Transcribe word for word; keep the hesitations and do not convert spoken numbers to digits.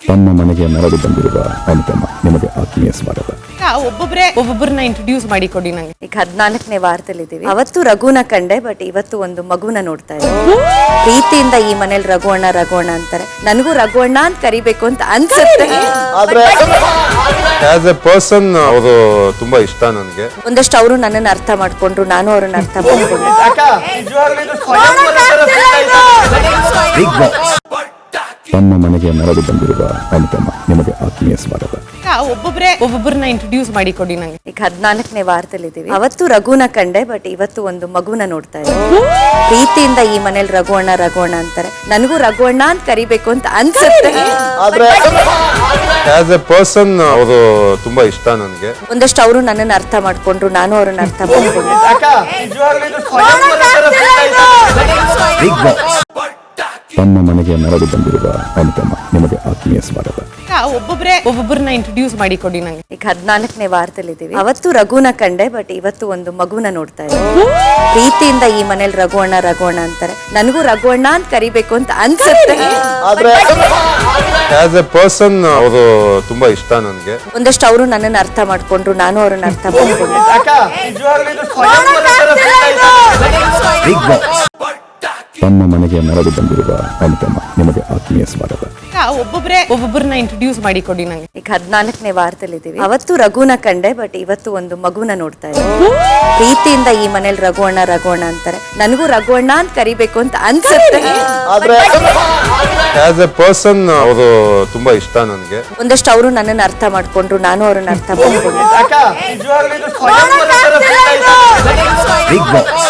ತಮ್ಮ ಮನೆಗೆ ಮರಳಿ ಬಂದಿರುವ ಅನುಪಮ ನಿಮಗೆ ಆತ್ಮೀಯ ಸ್ವಾಗತ. ಒಬ್ಬೊಬ್ಬರೇ ಒಬ್ಬೊಬ್ಬರನ್ನ ಇಂಟ್ರೊಡ್ಯೂಸ್ ಮಾಡಿ ಕೊಡಿ ನಂಗೆ. ಈಗ ಹದಿನಾಲ್ಕನೇ ವಾರದಲ್ಲಿ ಇದೀವಿ. ಅವತ್ತು ರಘುನ ಕಂಡೆ, ಬಟ್ ಇವತ್ತು ಒಂದು ಮಗುನ ನೋಡ್ತಾ ಇದ್ದೀನಿ. ಪ್ರೀತಿಯಿಂದ ಈ ಮನೇಲಿ ರಘುವಣ್ಣ ರಘುವಣ್ಣ ಅಂತಾರೆ. ನನಗೂ ರಘುವಣ್ಣ ಅಂತ ಕರಿಬೇಕು ಅಂತ ಅನ್ಸುತ್ತೆ. ಆಸ್ ಎ ಪರ್ಸನ್ ಅವರು ತುಂಬಾ ಇಷ್ಟ ನನಗೆ. ಒಂದಷ್ಟು ಅವರು ನನ್ನನ್ನು ಅರ್ಥ ಮಾಡ್ಕೊಂಡ್ರು, ನಾನು ಅವ್ರನ್ನ ಅರ್ಥ ಮಾಡ್ಕೊಂಡ್ರು. ತಮ್ಮ ಮನೆಗೆ ಮರಳಿ ಬಂದಿರುವ ಅನುಪಮ ನಿಮಗೆ ಆತ್ಮೀಯ ಸ್ವಾಗತ. ಒಬ್ಬೊಬ್ಬರೇ ಒಬ್ಬೊಬ್ಬರನ್ನ ಇಂಟ್ರೊಡ್ಯೂಸ್ ಮಾಡಿ ಕೊಡಿ ನಂಗೆ. ಈಗ ಹದಿನಾಲ್ಕನೇ ವಾರದಲ್ಲಿ ಇದೀವಿ. ಅವತ್ತು ರಘುನ ಕಂಡೆ, ಬಟ್ ಇವತ್ತು ಒಂದು ಮಗುನ ನೋಡ್ತಾ ಇದ್ದೀನಿ. ಪ್ರೀತಿಯಿಂದ ಈ ಮನೇಲಿ ರಘುವಣ್ಣ ರಘುವಣ್ಣ ಅಂತಾರೆ. ನನಗೂ ರಘುವಣ್ಣ ಅಂತ ಕರಿಬೇಕು ಅಂತ ಅನ್ಸುತ್ತೆ. ಆಸ್ ಎ ಪರ್ಸನ್ ಅವರು ತುಂಬಾ ಇಷ್ಟ ನನಗೆ. ಒಂದಷ್ಟು ಅವರು ನನ್ನನ್ನು ಅರ್ಥ ಮಾಡ್ಕೊಂಡ್ರು, ನಾನು ಅವ್ರನ್ನ ಅರ್ಥ ಮಾಡ್ಕೊಂಡ್ರು. ತಮ್ಮ ಮನೆಗೆ ಮರಳಿ ಬಂದಿರುವ ಅನುಪಮ ನಿಮಗೆ ಆತ್ಮೀಯ ಸ್ವಾಗತ. ಒಬ್ಬೊಬ್ಬರೇ ಒಬ್ಬೊಬ್ಬರನ್ನ ಇಂಟ್ರೊಡ್ಯೂಸ್ ಮಾಡಿ ಕೊಡಿ ನಂಗೆ. ಈಗ ಹದಿನಾಲ್ಕನೇ ವಾರದಲ್ಲಿ ಇದೀವಿ. ಅವತ್ತು ರಘುನ ಕಂಡೆ, ಬಟ್ ಇವತ್ತು ಒಂದು ಮಗುನ ನೋಡ್ತಾ ಇದ್ದೀನಿ. ಪ್ರೀತಿಯಿಂದ ಈ ಮನೇಲಿ ರಘುವಣ್ಣ ರಘುವಣ್ಣ ಅಂತಾರೆ. ನನಗೂ ರಘುವಣ್ಣ ಅಂತ ಕರಿಬೇಕು ಅಂತ ಅನ್ಸುತ್ತೆ. ಆಸ್ ಎ ಪರ್ಸನ್ ಅವರು ತುಂಬಾ ಇಷ್ಟ ನನಗೆ. ಒಂದಷ್ಟು ಅವರು ನನ್ನನ್ನು ಅರ್ಥ ಮಾಡ್ಕೊಂಡ್ರು, ನಾನು ಅವ್ರನ್ನ ಅರ್ಥ ಮಾಡ್ಕೊಂಡ್ರು. ತಮ್ಮ ಮನೆಗೆ ಮರಳಿ ಬಂದಿರುವ ಅನುಪಮ ನಿಮಗೆ ಆತ್ಮೀಯ ಸ್ವಾಗತ. ಒಬ್ಬೊಬ್ಬರೇ ಒಬ್ಬೊಬ್ಬರನ್ನ ಇಂಟ್ರೊಡ್ಯೂಸ್ ಮಾಡಿ ಕೊಡಿ ನಂಗೆ. ಈಗ ಹದಿನಾಲ್ಕನೇ ವಾರದಲ್ಲಿ ಇದೀವಿ. ಅವತ್ತು ರಘುನ ಕಂಡೆ, ಬಟ್ ಇವತ್ತು ಒಂದು ಮಗುನ ನೋಡ್ತಾ ಇದ್ದೀನಿ. ಪ್ರೀತಿಯಿಂದ ಈ ಮನೇಲಿ ರಘುವಣ್ಣ ರಘುವಣ್ಣ ಅಂತಾರೆ. ನನಗೂ ರಘುವಣ್ಣ ಅಂತ ಕರಿಬೇಕು ಅಂತ ಅನ್ಸುತ್ತೆ. ಆಸ್ ಎ ಪರ್ಸನ್ ಅವರು ತುಂಬಾ ಇಷ್ಟ ನನಗೆ. ಒಂದಷ್ಟು ಅವರು ನನ್ನನ್ನು ಅರ್ಥ ಮಾಡ್ಕೊಂಡ್ರು, ನಾನು ಅವ್ರನ್ನ ಅರ್ಥ ಮಾಡ್ಕೊಂಡ್ರು.